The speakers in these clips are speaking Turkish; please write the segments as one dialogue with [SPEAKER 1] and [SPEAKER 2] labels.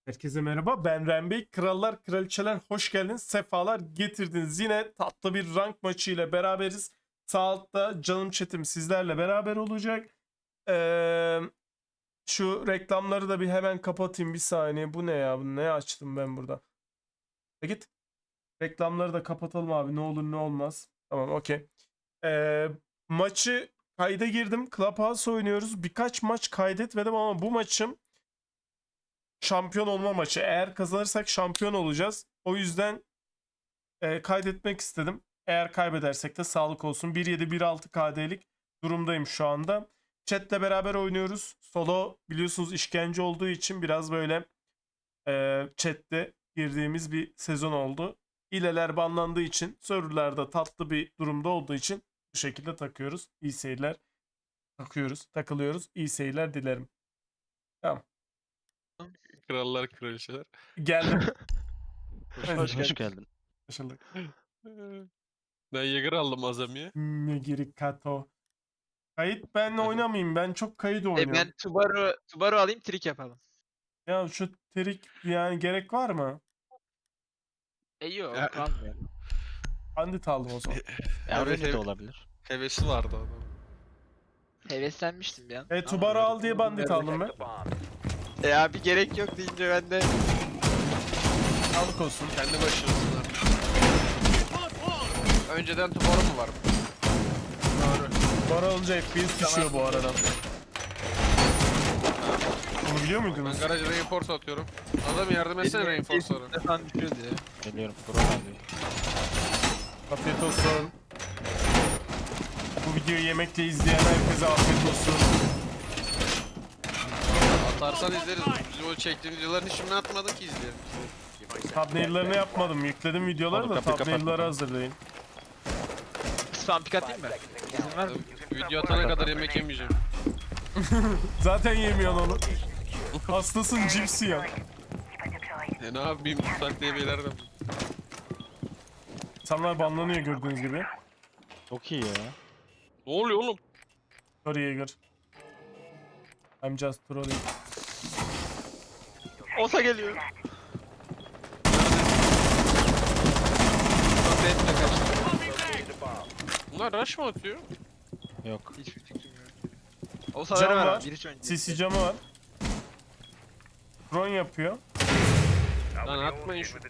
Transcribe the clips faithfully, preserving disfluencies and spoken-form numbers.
[SPEAKER 1] Herkese merhaba, ben Rembey. Krallar, kraliçeler hoş geldiniz, sefalar getirdiniz. Yine tatlı bir rank maçı ile beraberiz. Sağ altta canım chat'im sizlerle beraber olacak. Ee, şu reklamları da bir hemen kapatayım bir saniye. Bu ne ya? Bu ne açtım ben burada? E git. Reklamları da kapatalım abi. Ne olur ne olmaz. Tamam, okey. Ee, maçı kayda girdim. Clubhouse oynuyoruz. Birkaç maç kaydetmedim ama bu maçım şampiyon olma maçı. Eğer kazanırsak şampiyon olacağız. O yüzden e, kaydetmek istedim. Eğer kaybedersek de sağlık olsun. bir yedi bir altı K D'lik durumdayım şu anda. Chat'le beraber oynuyoruz. Solo biliyorsunuz işkence olduğu için biraz böyle e, chat'te girdiğimiz bir sezon oldu. İleler banlandığı için serverlarda tatlı bir durumda olduğu için bu şekilde takıyoruz. İyi seyirler. Takıyoruz, takılıyoruz. İyi seyirler dilerim. Tamam.
[SPEAKER 2] Krallar kraliçeler.
[SPEAKER 1] Geldim.
[SPEAKER 3] Hoş,
[SPEAKER 1] Hadi.
[SPEAKER 3] hoş, hoş geldin.
[SPEAKER 1] Başladık.
[SPEAKER 2] Ben Jäger aldım Azami'ye.
[SPEAKER 1] Megiri Kato. Kayıt ben oynamayayım. Ben çok kayıt
[SPEAKER 3] E
[SPEAKER 1] oynuyorum.
[SPEAKER 3] ben Tubaru, Tubaru alayım, trik yapalım.
[SPEAKER 1] Ya şu trik yani gerek var mı?
[SPEAKER 3] E yok,
[SPEAKER 2] Ya-
[SPEAKER 3] kalmıyor.
[SPEAKER 1] Bandit aldım o zaman.
[SPEAKER 3] Ya
[SPEAKER 2] Evet,
[SPEAKER 3] öyle de
[SPEAKER 2] evet.
[SPEAKER 3] olabilir.
[SPEAKER 2] Hevesi vardı adam.
[SPEAKER 3] Heveslenmiştim bir an.
[SPEAKER 1] E
[SPEAKER 3] Ama
[SPEAKER 1] Tubar'u
[SPEAKER 3] böyle
[SPEAKER 1] al diye
[SPEAKER 3] uygun
[SPEAKER 1] bandit
[SPEAKER 3] bir
[SPEAKER 1] aldım ben.
[SPEAKER 3] yerde- E abi gerek yok deyince ben de...
[SPEAKER 1] Sağlık olsun.
[SPEAKER 2] Kendi başınasın abi. Önceden Tubar'ı mı var?
[SPEAKER 1] Doğru. Tubar alınca F P S düşüyor bu arada. Bunu biliyor
[SPEAKER 2] Ben
[SPEAKER 1] muydunuz?
[SPEAKER 2] garaja reinforce atıyorum. Adam yardım etsene reinforce'lara.
[SPEAKER 3] Falan düşüyordu ya.
[SPEAKER 4] Geliyorum. Burak abi.
[SPEAKER 1] Afiyet olsun. Bu videoyu yemekle izleyen herkese afiyet olsun.
[SPEAKER 2] Atarsan izleriz. Bizim o çektiğim videoların hiçbirini atmadın ki izleyelim.
[SPEAKER 1] Thumbnail'larını yapmadım. Yükledim videoları
[SPEAKER 4] Oğlum
[SPEAKER 1] da
[SPEAKER 4] kapıyı
[SPEAKER 1] thumbnail'ları
[SPEAKER 4] kapatma.
[SPEAKER 1] hazırlayın.
[SPEAKER 3] Spam pick atayım mı? İzin var mı?
[SPEAKER 2] Video atana kadar yemek yemeyeceğim.
[SPEAKER 1] Zaten yemiyorsun onu. Hastasın cipsi ya.
[SPEAKER 2] E ne yapayım? Tutak diye beyler de.
[SPEAKER 1] İnsanlar banlanıyor gördüğünüz gibi.
[SPEAKER 4] Çok iyi ya.
[SPEAKER 2] Ne oluyor oğlum?
[SPEAKER 1] Sorry Jäger. I'm just trolling.
[SPEAKER 3] Olsa geliyor. Ben de kaçtım.
[SPEAKER 2] Bunlar rush mı atıyor?
[SPEAKER 4] Yok.
[SPEAKER 3] Hiçbir fikrim yok. Olsa
[SPEAKER 1] Cam
[SPEAKER 3] ver ver
[SPEAKER 1] var.
[SPEAKER 3] abi, bir hiç önce.
[SPEAKER 1] C C camı var. Drone yapıyor.
[SPEAKER 2] Lan atmayın şu.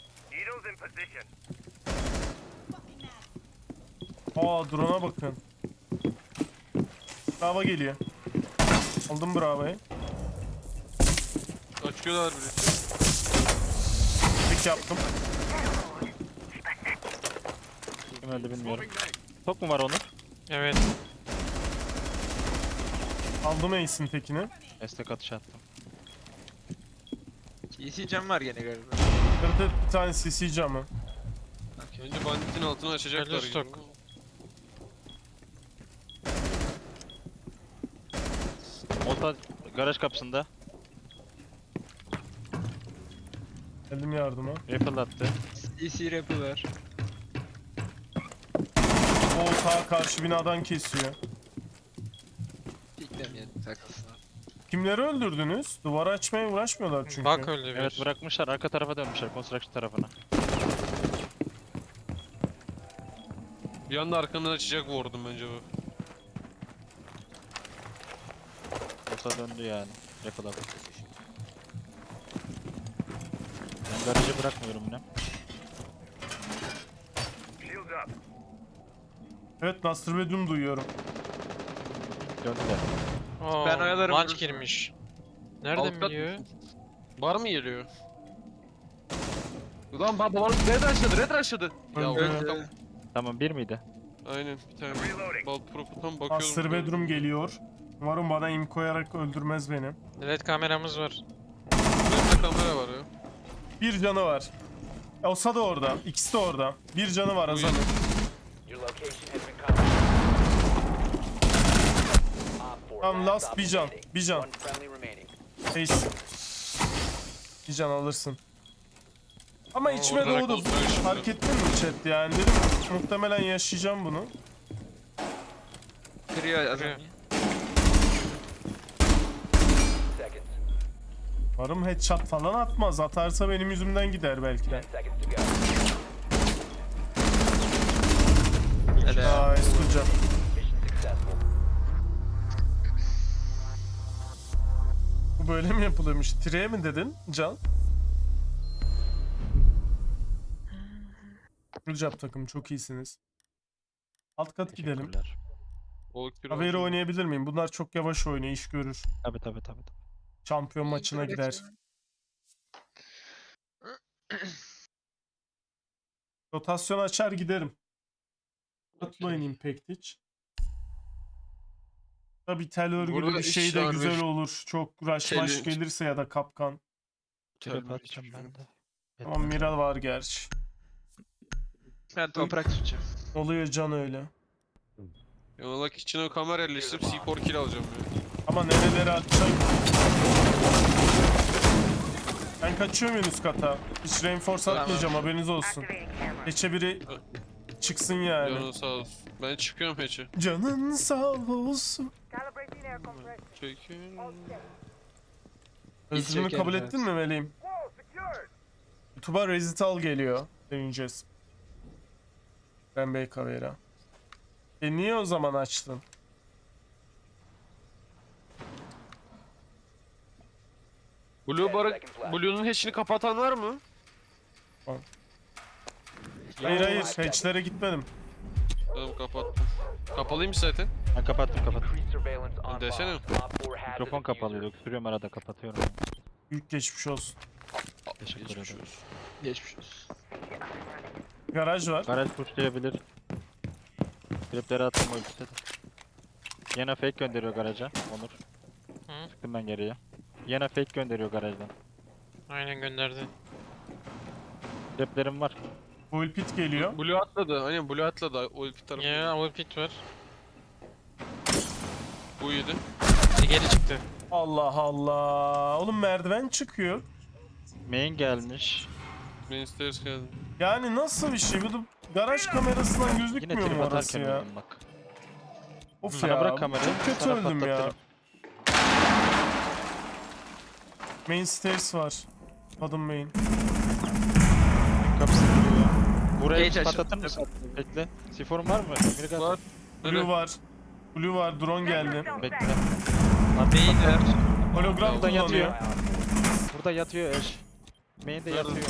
[SPEAKER 1] Aa drone'a bakın. Bravo geliyor. Aldım bravo'yu.
[SPEAKER 2] Açıyorlar birisi.
[SPEAKER 1] Tek yaptım.
[SPEAKER 4] Kim öldü bilmiyorum. Çok mu var onun?
[SPEAKER 2] Evet.
[SPEAKER 1] Aldım ace'in tekini.
[SPEAKER 4] Destek atış attım.
[SPEAKER 3] E C cam var gene galiba.
[SPEAKER 1] Kırdı bir tane C C camı.
[SPEAKER 2] Önce banditin altını açacaklar gibi.
[SPEAKER 4] Olta garaj kapısında.
[SPEAKER 1] Geldim yardıma.
[SPEAKER 4] Rifle attı.
[SPEAKER 3] E C rap'i var.
[SPEAKER 1] O ta karşı binadan kesiyor.
[SPEAKER 3] Piklemeyelim, takılsın abi.
[SPEAKER 1] Kimleri öldürdünüz? Duvarı açmaya uğraşmıyorlar çünkü.
[SPEAKER 2] Bak öyle bir.
[SPEAKER 4] Evet bırakmışlar. Arka tarafa dönmüşler. Construction tarafına.
[SPEAKER 2] Bir anda arkamdan açacak vurdum bence bu.
[SPEAKER 4] Olta döndü yani. Rifle attı. Ben garajı bırakmıyorum yine.
[SPEAKER 1] Evet Master Bedroom duyuyorum.
[SPEAKER 4] Döndüler.
[SPEAKER 5] Aa,
[SPEAKER 3] Ben oyalarım
[SPEAKER 5] Launch
[SPEAKER 3] burası.
[SPEAKER 5] girmiş. Nereden
[SPEAKER 2] Alt kat
[SPEAKER 5] biliyor?
[SPEAKER 2] Bar mı geliyor? Ulan baba var red rushladı red rushladı. Ya
[SPEAKER 1] Öldü.
[SPEAKER 2] öldü. Tamam.
[SPEAKER 4] Tamam bir miydi?
[SPEAKER 2] Aynen bir tane. Bal proputan bakıyorum.
[SPEAKER 1] Master Bedroom geliyor. Umarım bana im koyarak öldürmez beni.
[SPEAKER 5] L E D kameramız var.
[SPEAKER 2] Önde kamera var ya.
[SPEAKER 1] Bir canı var. Osa da orada. İkisi de orada. Bir canı var Hasan'ın. Tamam last bir can. Bir can. Ace. Bir can alırsın. Ama içime
[SPEAKER 2] orada
[SPEAKER 1] doğdu.
[SPEAKER 2] kontrol şimdi.
[SPEAKER 1] Fark ettin mi chat yani? Dedim muhtemelen yaşayacağım bunu.
[SPEAKER 3] Kırıyor adam.
[SPEAKER 5] Kırıyor.
[SPEAKER 1] Umarım headshot falan atmaz. Atarsa benim yüzümden gider belki de. Nice, good job. Bu böyle mi yapılıyormuş? Tire mi dedin Can? Good job takım, çok iyisiniz. Alt kat gidelim.
[SPEAKER 4] Teşekkürler.
[SPEAKER 2] Volkür
[SPEAKER 1] Haberi
[SPEAKER 2] oldu.
[SPEAKER 1] oynayabilir miyim? Bunlar çok yavaş oynuyor, iş görür.
[SPEAKER 4] Tabii tabii tabii.
[SPEAKER 1] Şampiyon maçına gider. Rotasyon açar giderim. Atmayın Impact hiç. Tabi tel örgülü
[SPEAKER 2] Burada
[SPEAKER 1] bir şey
[SPEAKER 2] iş
[SPEAKER 1] de
[SPEAKER 2] var,
[SPEAKER 1] güzel
[SPEAKER 2] bir-
[SPEAKER 1] olur. Çok rush maş
[SPEAKER 2] Challenge.
[SPEAKER 1] gelirse ya da kapkan.
[SPEAKER 4] Trap
[SPEAKER 2] Tabii,
[SPEAKER 4] atacağım
[SPEAKER 2] hiçbir
[SPEAKER 4] ben de.
[SPEAKER 1] Ama Mira var gerçi.
[SPEAKER 3] Ben toprak tutacağım.
[SPEAKER 1] Oluyor Can öyle.
[SPEAKER 2] Yanılak içine kamera yerleştirip C four kill alacağım ya.
[SPEAKER 1] Ama nerelere atacak? Ben kaçıyorum en üst kata. Hiç reinforce
[SPEAKER 3] Tamam.
[SPEAKER 1] atmayacağım, haberiniz olsun. Geçe biri çıksın yani.
[SPEAKER 2] Canın sağ olsun. Ben çıkıyorum hatch'e.
[SPEAKER 1] Canın sağ olsun.
[SPEAKER 2] Çekil.
[SPEAKER 1] Özrünü
[SPEAKER 3] çekerim,
[SPEAKER 1] kabul
[SPEAKER 3] evet.
[SPEAKER 1] ettin mi Meleğim? YouTube'a Rezital geliyor. Deneyeceğiz. Ben Bey Kavera. E niye o zaman açtın?
[SPEAKER 2] Blue barı, Blue'nun hatch'ini kapatan var mı?
[SPEAKER 1] Hayır hayır, hatchlere gitmedim.
[SPEAKER 2] Tamam kapattım. Kapalıymış zaten.
[SPEAKER 4] Ben kapattım kapattım.
[SPEAKER 2] Desene.
[SPEAKER 4] Mikrofon kapalıydı. Öksürüyorum arada kapatıyorum.
[SPEAKER 1] Büyük geçmiş olsun.
[SPEAKER 4] Teşekkür
[SPEAKER 2] Geçmiş
[SPEAKER 4] ederim.
[SPEAKER 2] olsun.
[SPEAKER 3] Geçmiş olsun.
[SPEAKER 1] Garaj var.
[SPEAKER 4] Garaj pushlayabilir. Tripleri attım o ikisi de. Yine fake gönderiyor garaja. Onur.
[SPEAKER 5] Hı?
[SPEAKER 4] Çıktım ben geriye. Yine fake gönderiyor garajdan.
[SPEAKER 5] Aynen gönderdi.
[SPEAKER 4] Triplerim var.
[SPEAKER 1] Full pit geliyor.
[SPEAKER 2] Blue atladı. Aynen Blue atladı. O ilk tarafı.
[SPEAKER 5] Ya Overpit var.
[SPEAKER 2] Bu yedi.
[SPEAKER 5] E, geri çıktı.
[SPEAKER 1] Allah Allah. Oğlum merdiven çıkıyor.
[SPEAKER 4] Main gelmiş.
[SPEAKER 2] Main stairs geldi.
[SPEAKER 1] Yani nasıl bir şey? Bu da garaj kamerasından
[SPEAKER 4] Yine
[SPEAKER 1] gözükmüyor
[SPEAKER 4] trip
[SPEAKER 1] mu orası
[SPEAKER 4] atarken
[SPEAKER 1] ya?
[SPEAKER 4] öldüm bak.
[SPEAKER 1] Of
[SPEAKER 4] Sana
[SPEAKER 1] ya.
[SPEAKER 4] bırak kamerayı.
[SPEAKER 1] Çok kötü
[SPEAKER 4] sana
[SPEAKER 1] öldüm ya.
[SPEAKER 4] patlatırım.
[SPEAKER 1] Main stairs var. Adım main.
[SPEAKER 4] Kapısı duruyor. Buraya
[SPEAKER 3] Geç
[SPEAKER 4] bir
[SPEAKER 3] aç.
[SPEAKER 4] patlatır mısın? Bekle. Siforun var mı? Mirgat.
[SPEAKER 2] Var.
[SPEAKER 1] Blue var. Blue var. Drone geldi.
[SPEAKER 4] Bekle.
[SPEAKER 3] Beyin ver.
[SPEAKER 1] Hologram
[SPEAKER 4] Burada yatıyor.
[SPEAKER 1] kullanıyor.
[SPEAKER 4] Burada yatıyor Ash. Main de
[SPEAKER 2] Nerede?
[SPEAKER 4] yatıyor.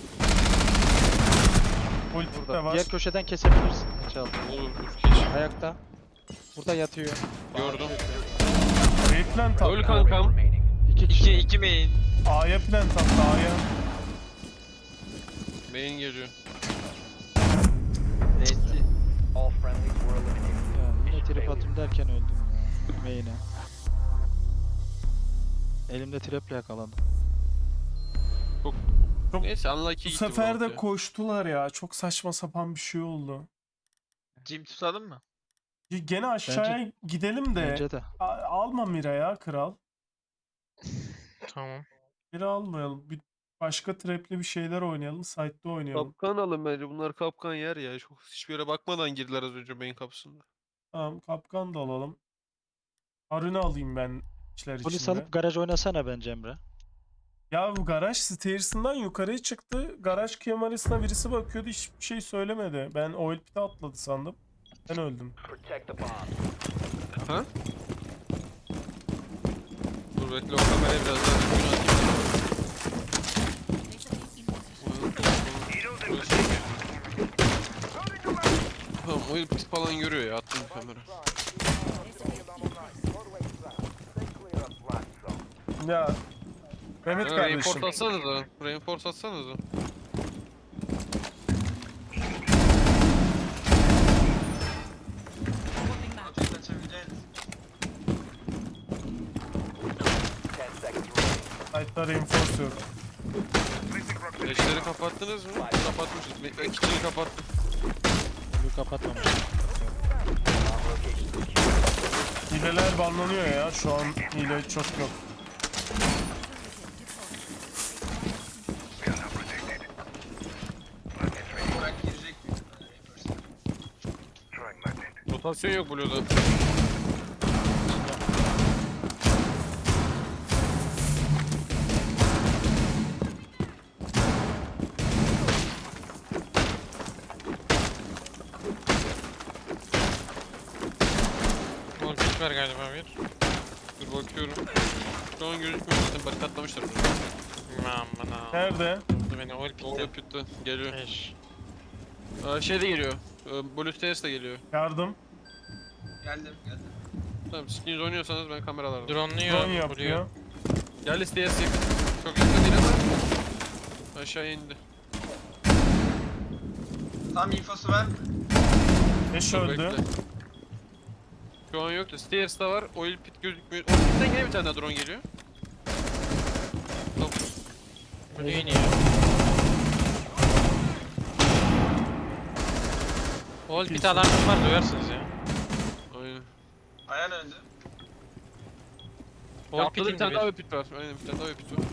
[SPEAKER 1] Ulti de
[SPEAKER 4] Burada.
[SPEAKER 1] var.
[SPEAKER 4] Diğer köşeden kesebilirsin. Çaldı.
[SPEAKER 2] Olur. Geç.
[SPEAKER 4] Ayakta. Burada yatıyor.
[SPEAKER 2] Gördüm.
[SPEAKER 1] B plant
[SPEAKER 2] Öl
[SPEAKER 1] attı.
[SPEAKER 2] kankam.
[SPEAKER 4] İki kişi.
[SPEAKER 5] İki, iki main.
[SPEAKER 1] A'ya plant attı. A'ya.
[SPEAKER 2] Main geliyor.
[SPEAKER 3] Neyse.
[SPEAKER 4] Ya yine trip atayım derken öldüm ya. Main'e. Elimde traple yakalandım.
[SPEAKER 1] Çok-
[SPEAKER 2] Neyse unlucky
[SPEAKER 1] Bu
[SPEAKER 2] gitti
[SPEAKER 1] sefer
[SPEAKER 2] bu
[SPEAKER 1] de
[SPEAKER 2] altı.
[SPEAKER 1] koştular ya. Çok saçma sapan bir şey oldu.
[SPEAKER 3] Jim tutalım mı?
[SPEAKER 1] Y- Gene aşağıya gidelim de.
[SPEAKER 4] Bence de.
[SPEAKER 1] A- alma Mira ya kral.
[SPEAKER 5] Tamam.
[SPEAKER 1] Mira almayalım. Bir başka trapli bir şeyler oynayalım. Site'de oynayalım.
[SPEAKER 2] Kapkan alın bence. Bunlar kapkan yer ya. Çok hiçbir yere bakmadan girdiler az önce main kapısında.
[SPEAKER 1] Tamam, kapkan da alalım. Arını alayım ben içler
[SPEAKER 4] Polis
[SPEAKER 1] içinde.
[SPEAKER 4] alıp garaj oynasana bence Emre.
[SPEAKER 1] Ya bu garaj stairs'ından yukarıya çıktı. Garaj kamerasına birisi bakıyordu. Hiçbir şey söylemedi. Ben oil pit'e atladı sandım. Ben öldüm.
[SPEAKER 2] Ha? Dur bekle o kamerayı biraz daha düzgün atayım. Tamam o pis falan görüyor ya attım bir kamera.
[SPEAKER 1] Ya Mehmet
[SPEAKER 2] Ha,
[SPEAKER 1] kardeşim.
[SPEAKER 2] reinforce atsanıza. Reinforce atsanıza.
[SPEAKER 1] Site'da reinforce yok.
[SPEAKER 2] Eşleri kapattınız mı? Kapatmışız. Bekle kitcheni kapattım.
[SPEAKER 4] Bunu kapatmamış.
[SPEAKER 1] Hileler banlanıyor ya. Şu an hile çok yok.
[SPEAKER 2] Rotasyon yok Blue'da.
[SPEAKER 5] Geldiler galiba bir.
[SPEAKER 2] Dur bakıyorum. Şu an gözükmüyor zaten barikatlamışlar bunu.
[SPEAKER 5] Aman ha.
[SPEAKER 1] Nerede?
[SPEAKER 5] Vurdu beni oil
[SPEAKER 2] Orada
[SPEAKER 5] pitte.
[SPEAKER 2] pütte geliyor.
[SPEAKER 5] Eş.
[SPEAKER 2] Aa, şey de geliyor. Ee, Blue Stairs de geliyor.
[SPEAKER 1] Yardım.
[SPEAKER 6] Geldim geldim.
[SPEAKER 2] Tamam skins oynuyorsanız ben kameralarda.
[SPEAKER 5] Drone'luyor.
[SPEAKER 1] Drone
[SPEAKER 5] vuruyor.
[SPEAKER 1] yapıyor.
[SPEAKER 2] Gel Stairs yakın. Çok yakın değil ama. Aşağıya indi.
[SPEAKER 6] Tam infosu ver.
[SPEAKER 1] Eş
[SPEAKER 2] Dur,
[SPEAKER 1] öldü.
[SPEAKER 2] bekle. Şu an yok da Stairs'ta var. Oil pit gözükmüyor. Oil pit'ten gene bir tane daha drone geliyor. Tamam.
[SPEAKER 5] Blue iniyor. Oil pit alarmı var duyarsınız ya.
[SPEAKER 2] Aynen.
[SPEAKER 6] Ayağın öldü.
[SPEAKER 5] Oil
[SPEAKER 2] Atladı bir
[SPEAKER 5] pit'in
[SPEAKER 2] tane daha
[SPEAKER 5] bir.
[SPEAKER 2] oil pit var. Aynen bir tane daha oil pit var.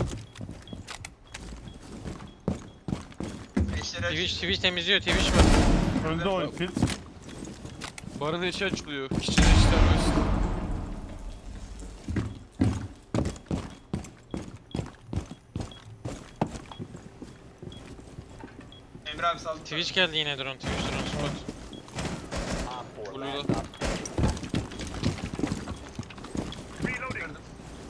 [SPEAKER 6] Eşleri
[SPEAKER 5] Twitch,
[SPEAKER 6] aç.
[SPEAKER 5] Twitch temizliyor. Twitch var.
[SPEAKER 1] Öldü oil pit.
[SPEAKER 2] Barın eşi açılıyor. İşçinin işlenmez.
[SPEAKER 6] Emre abi saldı.
[SPEAKER 5] Twitch geldi yine drone. Twitch drone spot.
[SPEAKER 2] Blue'da.
[SPEAKER 6] Kırdım.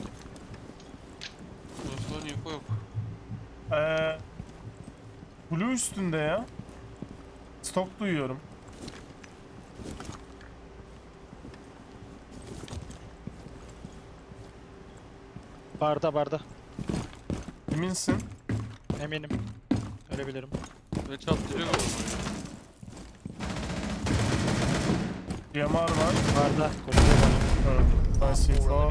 [SPEAKER 2] Osman info yok.
[SPEAKER 1] Ee, Blue üstünde ya. Stok duyuyorum.
[SPEAKER 4] Barda barda.
[SPEAKER 1] Eminsin.
[SPEAKER 4] Eminim. Ölebilirim.
[SPEAKER 2] Ve çatlıyor galiba.
[SPEAKER 1] D M R var.
[SPEAKER 4] Barda. Koridor var.
[SPEAKER 1] Öldü. Nice info.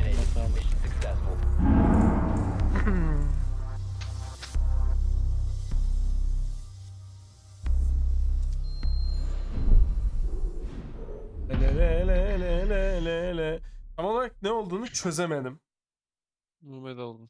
[SPEAKER 1] Le le le le le le le. Tam olarak ne olduğunu çözemedim.
[SPEAKER 2] Mehmet aldım.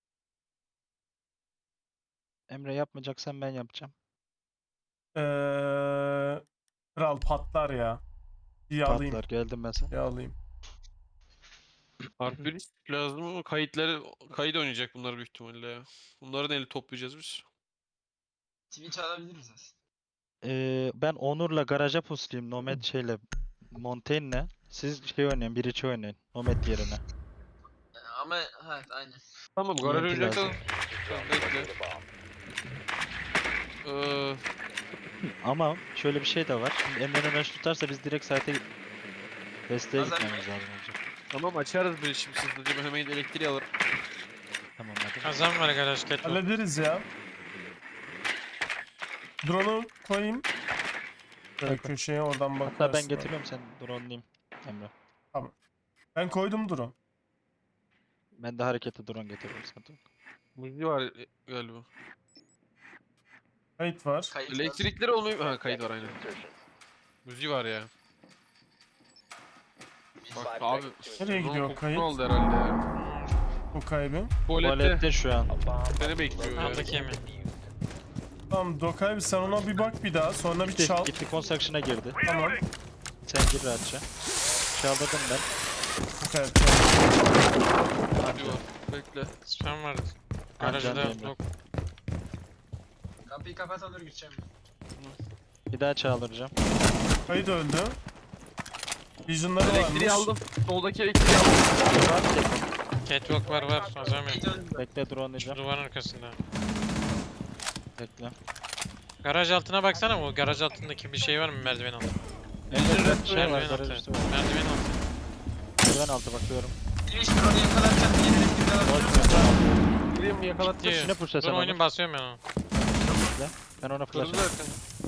[SPEAKER 4] Emre yapmayacaksan ben yapacağım.
[SPEAKER 1] Ee, Kral patlar ya. İyi alayım.
[SPEAKER 4] Patlar geldim ben sana.
[SPEAKER 1] İyi alayım.
[SPEAKER 2] Harp bir lazım ama kayıtları kayıt oynayacak bunlar büyük ihtimalle ya. Bunları da eli toplayacağız biz.
[SPEAKER 6] Twitch alabiliriz aslında.
[SPEAKER 4] Ee, ben Onur'la garaja puslayayım. Nomad şeyle. Montaigne'le. Siz şey oynayın. Bir içi oynayın. Nomad yerine.
[SPEAKER 6] Ama evet aynen.
[SPEAKER 2] Tamam garaj
[SPEAKER 4] T N T
[SPEAKER 2] oynayacak
[SPEAKER 4] lazım.
[SPEAKER 2] Tamam bekle. Ee,
[SPEAKER 4] Ama şöyle bir şey de var. Şimdi Emre'nin rush tutarsa biz direkt site'e desteğe
[SPEAKER 6] Bazen-
[SPEAKER 4] gitmemiz lazım olacak.
[SPEAKER 2] tamam açarız bir şimdi hızlıca ben hemen elektriği alırım.
[SPEAKER 4] Tamam hadi.
[SPEAKER 5] Kazan var garaj catwalk.
[SPEAKER 1] Hallederiz ya. Drone'u koyayım. Böyle köşeye oradan bakarsın.
[SPEAKER 4] Hatta ben getiriyorum sen drone'layım Emre.
[SPEAKER 1] Ben koydum drone.
[SPEAKER 4] Ben de harekete drone getiriyorum sıkıntı yok.
[SPEAKER 2] Müziği var e, galiba.
[SPEAKER 1] Kayıt var.
[SPEAKER 6] Kayıt var.
[SPEAKER 2] Elektrikleri olmuyor. Ha kayıt var aynen. Müziği var ya. Bak abi.
[SPEAKER 1] Nereye gidiyor
[SPEAKER 2] drone
[SPEAKER 1] kayıt?
[SPEAKER 2] kokusu oldu herhalde ya.
[SPEAKER 1] Bu kaybı.
[SPEAKER 2] Tuvalette.
[SPEAKER 4] Tuvalette şu an.
[SPEAKER 2] Seni bekliyor ya.
[SPEAKER 5] Aldık yemin.
[SPEAKER 1] Tamam Dokay sen ona bir bak bir daha. Sonra bir
[SPEAKER 4] Gitti,
[SPEAKER 1] çal.
[SPEAKER 4] gitti construction'a girdi.
[SPEAKER 1] Tamam.
[SPEAKER 4] Sen gir rahatça. Çaldırdım ben.
[SPEAKER 1] Dokay.
[SPEAKER 2] Hadi var. Bekle.
[SPEAKER 5] Spam vardı.
[SPEAKER 4] Can
[SPEAKER 5] Garajda
[SPEAKER 4] Emre.
[SPEAKER 5] yok.
[SPEAKER 6] Kapıyı kapat alır gideceğim.
[SPEAKER 4] Bir daha çaldıracağım.
[SPEAKER 1] Kayıt öldü. Vision'ları varmış.
[SPEAKER 2] Elektriği aldım. Soldaki elektriği aldım.
[SPEAKER 5] Catwalk var var. Azam
[SPEAKER 6] Kayıt
[SPEAKER 5] yok.
[SPEAKER 6] öldü.
[SPEAKER 4] Bekle drone'layacağım.
[SPEAKER 5] Duvarın arkasında.
[SPEAKER 4] Bekle.
[SPEAKER 5] Garaj altına baksana, bu garaj altındaki bir şey var mı merdiven altı?
[SPEAKER 4] Emre şey var.
[SPEAKER 5] Merdiven
[SPEAKER 4] Garaj
[SPEAKER 5] altı.
[SPEAKER 4] üstü var.
[SPEAKER 5] Merdiven altı.
[SPEAKER 4] Merdiven altı bakıyorum.
[SPEAKER 6] Twitch drone'u yakalatacak. Yeni elektriği alabilir miyim?
[SPEAKER 2] Elektriği mi yakalat?
[SPEAKER 5] Gitti.
[SPEAKER 4] Üstüne pushla sen
[SPEAKER 5] Dur
[SPEAKER 4] onu.
[SPEAKER 5] oyunu basıyorum ben onu.
[SPEAKER 4] Ben ona flash
[SPEAKER 2] Kırıldı
[SPEAKER 4] atacağım.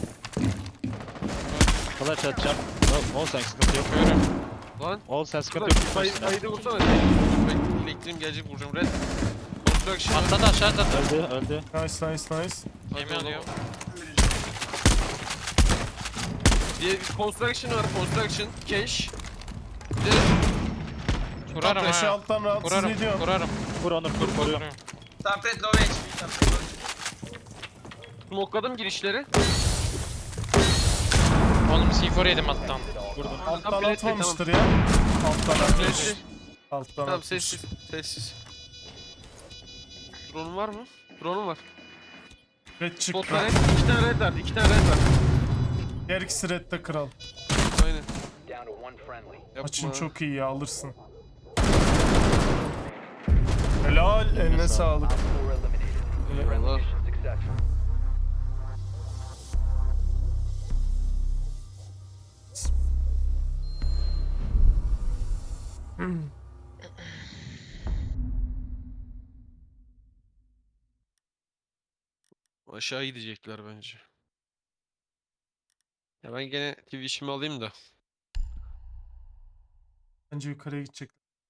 [SPEAKER 2] zaten.
[SPEAKER 4] Flash atacağım. Ol, ol sen sıkıntı yok.
[SPEAKER 5] Bakıyorum.
[SPEAKER 2] Lan.
[SPEAKER 4] Ol sen sıkıntı
[SPEAKER 2] Bak,
[SPEAKER 4] yok.
[SPEAKER 2] kay
[SPEAKER 4] Üstüne.
[SPEAKER 2] kaydı vursana. Bekle, elektriğim gelecek vuracağım. Red. Construction.
[SPEAKER 5] Atladı aşağı atladı.
[SPEAKER 4] Öldü öldü.
[SPEAKER 1] Nice nice nice.
[SPEAKER 5] Yemin alıyorum.
[SPEAKER 2] Diye bir construction var. Construction. Cash. Bir de
[SPEAKER 5] Kurarım
[SPEAKER 1] Taşı
[SPEAKER 5] ha.
[SPEAKER 1] alttan rahatsız
[SPEAKER 5] Kurarım.
[SPEAKER 1] ediyor.
[SPEAKER 5] Kurarım.
[SPEAKER 4] Vur onu vur koruyor.
[SPEAKER 5] Kuruyorum.
[SPEAKER 6] Tapret low H P. Tapret low H P.
[SPEAKER 2] smokeladım girişleri.
[SPEAKER 5] Oğlum C four yedim alttan.
[SPEAKER 4] Vurdum.
[SPEAKER 1] Alttan
[SPEAKER 2] Tamam,
[SPEAKER 1] atmamıştır ya. Alttan atmış.
[SPEAKER 2] Flash'ı.
[SPEAKER 1] Alttan
[SPEAKER 2] Tamam
[SPEAKER 1] atmış.
[SPEAKER 2] sessiz. Sessiz. Drone'un var mı? Drone'un var.
[SPEAKER 1] Red çıktı.
[SPEAKER 2] Spotlar red. İki tane red var. İki tane red var.
[SPEAKER 1] Her ikisi redde kral.
[SPEAKER 2] Aynen.
[SPEAKER 1] Maçın
[SPEAKER 2] Yapma.
[SPEAKER 1] çok iyi ya, alırsın. Helal, eline sağlık.
[SPEAKER 2] Eyvallah. Aşağı gidecekler bence. Ya ben gene Twitch'imi alayım da.
[SPEAKER 1] Bence yukarıya gidecek.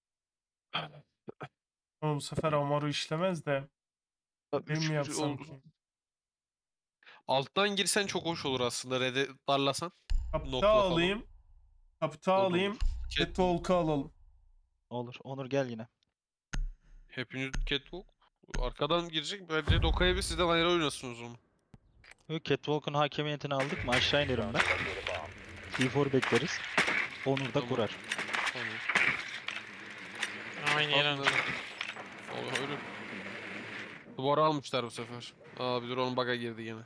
[SPEAKER 1] Ama bu sefer Amaru işlemez de. Benim
[SPEAKER 2] Üç
[SPEAKER 1] mi
[SPEAKER 2] bir
[SPEAKER 1] yapsam
[SPEAKER 2] oldu.
[SPEAKER 1] ki?
[SPEAKER 2] Alttan girsen çok hoş olur aslında. Red'e darlasan.
[SPEAKER 1] Kapital
[SPEAKER 2] Nokla falan.
[SPEAKER 1] alayım. Kapital
[SPEAKER 2] O da olur.
[SPEAKER 1] alayım.
[SPEAKER 2] Catwalk.
[SPEAKER 1] Catwalk'u alalım.
[SPEAKER 4] Olur. Onur gel yine.
[SPEAKER 2] Hepiniz Catwalk. Arkadan girecek. Bence Doka'ya bir sizden ayrı oynasınız onu.
[SPEAKER 4] Yok, Catwalk'un hakemiyetini aldık mı aşağı inerim ben. T dört bekleriz. Onur da
[SPEAKER 2] Tamam.
[SPEAKER 4] kurar.
[SPEAKER 2] Tamam.
[SPEAKER 5] Aynı yere
[SPEAKER 2] Aslında- Allah öyle. Duvara almışlar bu sefer. Aa bir dur onun bug'a girdi yine.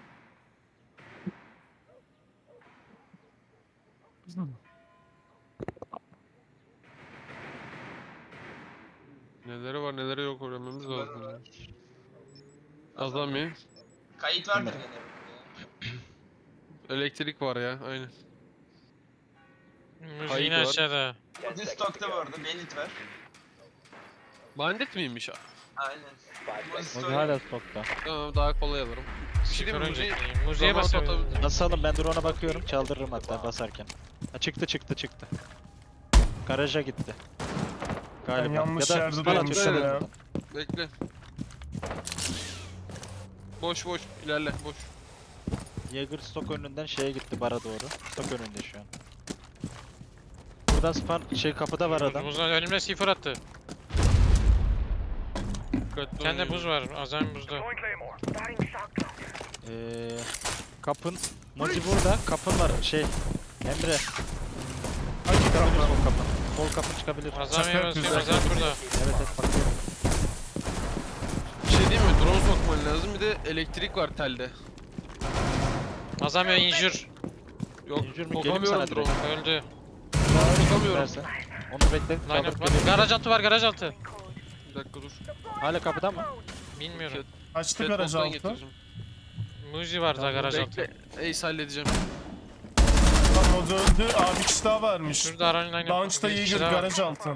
[SPEAKER 2] Neleri var neleri yok öğrenmemiz lazım. ya. Azami.
[SPEAKER 6] Kayıt vardır gene.
[SPEAKER 2] Elektrik var ya aynen.
[SPEAKER 5] Müziğin
[SPEAKER 2] Kayıt var.
[SPEAKER 5] aşağıda.
[SPEAKER 6] Uzi stokta bu arada. Belit var.
[SPEAKER 2] Bandit miymiş?
[SPEAKER 6] Aynen. Uzi
[SPEAKER 4] Mozi
[SPEAKER 6] story.
[SPEAKER 4] hala stokta.
[SPEAKER 2] Tamam daha kolay alırım. Bir şey diyeyim mi?
[SPEAKER 5] Sıfır
[SPEAKER 2] Müziği-
[SPEAKER 5] önceki. Müziğe
[SPEAKER 2] Zaman
[SPEAKER 5] basabilirim.
[SPEAKER 2] atabilirim.
[SPEAKER 4] Basalım, ben drone'a bakıyorum. Çaldırırım hatta basarken. Ha, çıktı çıktı çıktı. Garaja gitti. Galiba.
[SPEAKER 1] yanlış
[SPEAKER 4] ya da
[SPEAKER 1] yerde
[SPEAKER 4] bana
[SPEAKER 2] durmuşum
[SPEAKER 4] atıyor.
[SPEAKER 1] ya.
[SPEAKER 2] Bekle. Boş boş ilerle boş.
[SPEAKER 4] Jaeger stok önünden şeye gitti, bara doğru. Stok önünde şu an. Burada span şey kapıda var adam.
[SPEAKER 5] Buz, buz, önümde sıfır attı.
[SPEAKER 2] Dikkatli
[SPEAKER 5] Bir tane de
[SPEAKER 2] oynayın.
[SPEAKER 5] buz var. Azami buzda.
[SPEAKER 4] Ee, kapın Mozi burada. Kapın var şey. Emre.
[SPEAKER 1] Hangi
[SPEAKER 4] Çıkabilir
[SPEAKER 1] kapı?
[SPEAKER 4] sol kapın. Sol kapın çıkabilir.
[SPEAKER 5] Azami'ye
[SPEAKER 1] Şaka
[SPEAKER 5] basıyorum.
[SPEAKER 1] yapıyorsun.
[SPEAKER 5] Azami burada.
[SPEAKER 4] Evet evet bakıyorum.
[SPEAKER 2] Bir şey değil mi? Drone sokman lazım. Bir de elektrik var telde.
[SPEAKER 5] Azami injur.
[SPEAKER 4] Injure
[SPEAKER 2] Yok
[SPEAKER 4] mi? Geleyim
[SPEAKER 2] sokamıyorum
[SPEAKER 4] sana
[SPEAKER 2] drone.
[SPEAKER 4] direkt.
[SPEAKER 5] Öldü.
[SPEAKER 2] Sokamıyorum.
[SPEAKER 4] Versen. Onu bekle.
[SPEAKER 5] Line
[SPEAKER 4] Kaldırıp
[SPEAKER 5] up var.
[SPEAKER 4] geliyorum.
[SPEAKER 5] Garaj altı var. Garaj altı.
[SPEAKER 2] Bir dakika dur.
[SPEAKER 4] Hala kapıda mı?
[SPEAKER 5] Bilmiyorum.
[SPEAKER 1] Açtı garaj
[SPEAKER 2] Catwalk'tan
[SPEAKER 1] altı.
[SPEAKER 2] getireceğim.
[SPEAKER 5] Muzi var da garaj altı.
[SPEAKER 2] Bekle. Ace halledeceğim.
[SPEAKER 1] Tamam, o da öldü. Aa, bir kişi daha varmış.
[SPEAKER 5] Şurada Aran line
[SPEAKER 1] Launch'ta Jaeger garaj altı.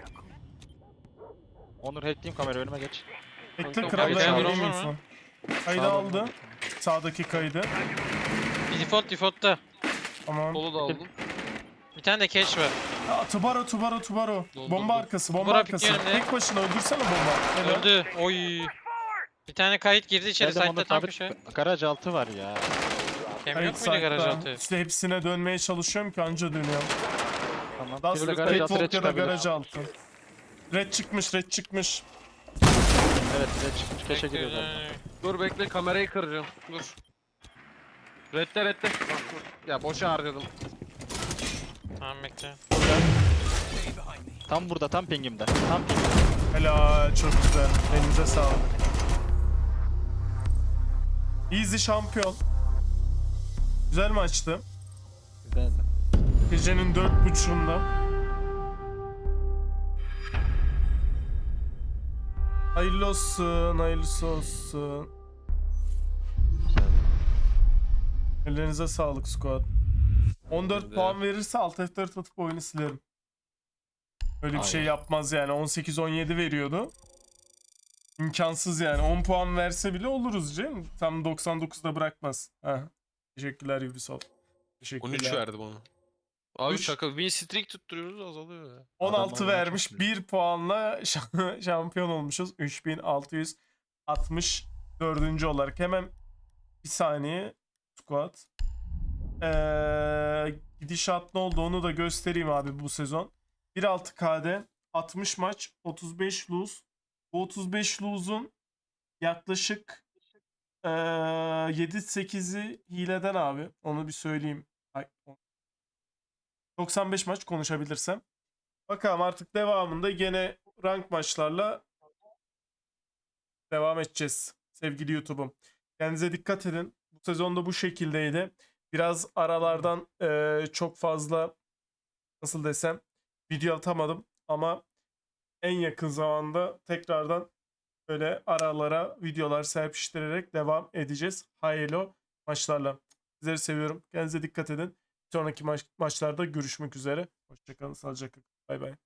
[SPEAKER 4] Onur hackleyeyim kamera, önüme geç.
[SPEAKER 1] Bekle
[SPEAKER 2] Kanka,
[SPEAKER 1] kral,
[SPEAKER 5] kaydı
[SPEAKER 1] ben
[SPEAKER 5] alır
[SPEAKER 1] alayım
[SPEAKER 5] mı?
[SPEAKER 1] info. Kaydı
[SPEAKER 4] Sağda
[SPEAKER 1] aldı.
[SPEAKER 4] mı?
[SPEAKER 1] Sağdaki kaydı.
[SPEAKER 5] Default default'ta.
[SPEAKER 1] Tamam.
[SPEAKER 2] Solu da aldım.
[SPEAKER 5] Bir tane de catch var.
[SPEAKER 1] Aa, Tubaro Tubaro Tubaro.
[SPEAKER 2] Doldu,
[SPEAKER 1] Bomba
[SPEAKER 2] doldu.
[SPEAKER 1] arkası, bomba
[SPEAKER 5] Tubaro
[SPEAKER 1] arkası.
[SPEAKER 5] pikleyelim de.
[SPEAKER 1] Tek başına öldürsene bomba. Helal.
[SPEAKER 5] Öldü. Oy. Bir tane kayıt girdi içeri.
[SPEAKER 4] Geldim
[SPEAKER 5] Side'de
[SPEAKER 4] Onur,
[SPEAKER 5] tam
[SPEAKER 4] tabii
[SPEAKER 5] köşe.
[SPEAKER 4] garaj altı var ya.
[SPEAKER 5] Hem
[SPEAKER 1] Kayıt
[SPEAKER 5] yok muydu garaj
[SPEAKER 1] site'da.
[SPEAKER 5] altı?
[SPEAKER 1] İşte hepsine dönmeye çalışıyorum ki anca dönüyorum.
[SPEAKER 4] Tamam.
[SPEAKER 1] Daha
[SPEAKER 4] Biri de
[SPEAKER 1] sonra
[SPEAKER 4] garaj altı red
[SPEAKER 1] Catwalk ya da
[SPEAKER 4] çıkabilir.
[SPEAKER 1] garaj altı. Red çıkmış, red çıkmış.
[SPEAKER 4] Evet red çıkmış. Keşe giriyor zaten.
[SPEAKER 5] Bekle.
[SPEAKER 2] Dur bekle kamerayı kıracağım. Dur. Redde redde. Bak, dur. Ya boşa harcadım.
[SPEAKER 5] Tamam bekle.
[SPEAKER 4] Tam burada, tam pingimde. Tam pingimde.
[SPEAKER 1] Helal, çok güzel. Elinize sağlık. Easy şampiyon. Güzel maçtı.
[SPEAKER 4] Güzeldi.
[SPEAKER 1] Gecenin dört buçuğunda. Hayırlı olsun, hayırlısı olsun.
[SPEAKER 4] Güzeldi.
[SPEAKER 1] Ellerinize sağlık squad. on dört
[SPEAKER 2] Benim de.
[SPEAKER 1] puan verirse alt F dört atıp oyunu silerim. Öyle bir şey
[SPEAKER 4] Hayır.
[SPEAKER 1] yapmaz yani. on sekiz on yedi veriyordu. İmkansız yani. on puan verse bile oluruz canım. Tam doksan dokuzda bırakmaz. Heh. Teşekkürler Ubisoft. Teşekkürler.
[SPEAKER 2] on üç verdi bana. Abi
[SPEAKER 1] Üç.
[SPEAKER 2] şaka win streak tutturuyoruz azalıyor ya.
[SPEAKER 1] on altı
[SPEAKER 4] Adamlar
[SPEAKER 1] vermiş.
[SPEAKER 4] çok iyi.
[SPEAKER 1] bir puanla şa- şampiyon olmuşuz. üç bin altı yüz altmış dördüncü olarak. Hemen bir saniye. Squad. Ee, gidişat ne oldu onu da göstereyim abi bu sezon. bir altı K'de altmış maç, otuz beş lose. Bu otuz beş lose'un yaklaşık ee, yedi sekizi hileden abi. Onu bir söyleyeyim. Ay, doksan beş maç konuşabilirsem. Bakalım artık devamında gene rank maçlarla devam edeceğiz. Sevgili YouTube'um. Kendinize dikkat edin. Bu sezonda bu şekildeydi. Biraz aralardan eee, çok fazla nasıl desem video atamadım ama en yakın zamanda tekrardan böyle aralara videolar serpiştirerek devam edeceğiz. Hayırlı maçlarla. Sizleri seviyorum. Kendinize dikkat edin. Sonraki maç, maçlarda görüşmek üzere. Hoşçakalın. Sağlıcakla. Bay bay.